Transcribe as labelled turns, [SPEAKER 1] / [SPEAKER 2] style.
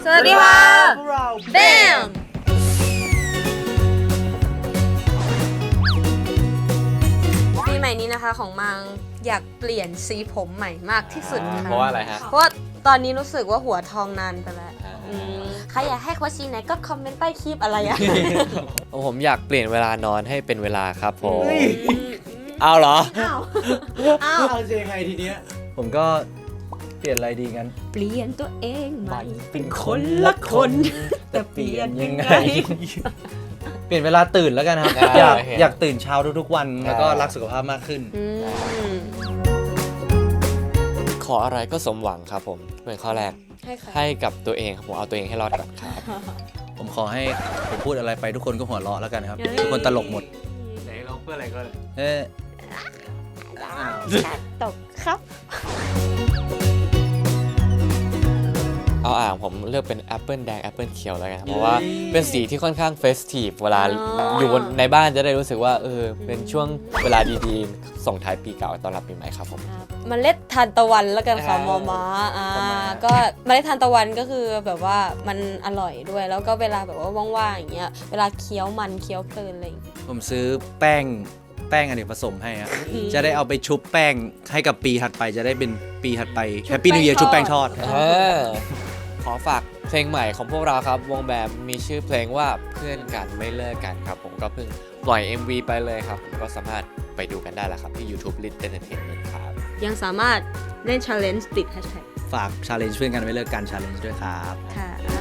[SPEAKER 1] วัสดีค่ะ
[SPEAKER 2] พวกเรา
[SPEAKER 1] แบมปีใหม่นี้นะคะของมังอยากเปลี่ยนสีผมใหม่มากที่สุดค่ะ
[SPEAKER 3] เพราะว่าอะไรฮะ
[SPEAKER 1] เพราะว่าตอนนี้รู้สึกว่าหัวทองนานไปแล้ว
[SPEAKER 3] อ่า
[SPEAKER 1] ใครอยากให้โค้ชชีไหนก็คอมเมนต์ใต้คลิปอะไรอะ
[SPEAKER 3] ผมอยากเปลี่ยนเวลานอนให้เป็นเวลาครับผม
[SPEAKER 2] เฮ้ย
[SPEAKER 3] เอาเหรอ
[SPEAKER 1] อ้าวอ้าว
[SPEAKER 2] เอาจะยังไงทีเนี้ย
[SPEAKER 4] ผมก็เปลี่ยนอะไรดีงั้น
[SPEAKER 1] เปลี่ยนตัวเองใหม่
[SPEAKER 4] เป็น
[SPEAKER 1] คนละคน
[SPEAKER 4] แต่เปลี่ยนยังไง เปลี่ยนเวลาตื่นแล้วกันครับ
[SPEAKER 3] ได้
[SPEAKER 4] อยากตื่นเช้าทุกๆวัน แล้วก็รักสุขภาพมากขึ้น
[SPEAKER 1] อืม
[SPEAKER 3] ขออะไรก็สมหวังครับผมเป็นข้อแรก
[SPEAKER 1] ให้ค่ะ
[SPEAKER 3] ให้กับตัวเองครับผมเอาตัวเองให้รอดก่อนครับ
[SPEAKER 4] ผมขอให้ผมพูดอะไรไปทุกคนก็หัวเราะแล้วกันครับ
[SPEAKER 1] เฮ้ย
[SPEAKER 4] ทุกคนตลกหมด
[SPEAKER 3] ไหนลองเพื่ออะไรก็
[SPEAKER 4] เอ๊ะ
[SPEAKER 1] ตกครับ
[SPEAKER 3] เอาอ่างผมเลือกเป็นแอปเปิลแดงแอปเปิลเขียวแล้วกันครับเพราะว่าเป็นสีที่ค่อนข้างเฟสทีฟเวลา
[SPEAKER 1] อ๋อ
[SPEAKER 3] อ
[SPEAKER 1] อ
[SPEAKER 3] ยู่ในบ้านจะได้รู้สึกว่าเป็นช่วงเวลาดีๆส่งท้ายปีเก่าต้อนรับปีใหม่ครับผม
[SPEAKER 1] เมล็ดทานตะวันแล้วกันค่ะ
[SPEAKER 3] อ่าม
[SPEAKER 1] อม้า
[SPEAKER 3] ประมาณนั้น
[SPEAKER 1] ก็เมล็ดทานตะวันก็คือแบบว่ามันอร่อยด้วย แล้วก็เวลาแบบว่าว่างๆอย่างเงี้ยเวลาเคี้ยวมันเคี้ยวเพลินอะไรอย่างเงี้ย
[SPEAKER 4] ผมซื้อแป้งอเนกประสงค์ให้ครับจะได้เอาไปชุบแป้งให้กับปีถัดไปจะได้เป็นปีถัดไปแฮปปี้นิวเยียร์ชุบแป้งทอด
[SPEAKER 3] ขอฝากเพลงใหม่ของพวกเราครับวงแบมมีชื่อเพลงว่าเพื่อนกันไม่เลิกกันครับผมก็เพิ่งปล่อย MV ไปเลยครับผมก็สามารถไปดูกันได้แล้วครับที่ YouTube Lit Entertainment ครับ
[SPEAKER 1] ยังสามารถเล่น challenge ติด hashtag
[SPEAKER 4] ฝากชาเลนจ์เพื่อนกันไม่เลิกกันชาเลนจ์ด้วยครับ
[SPEAKER 1] ค่ะ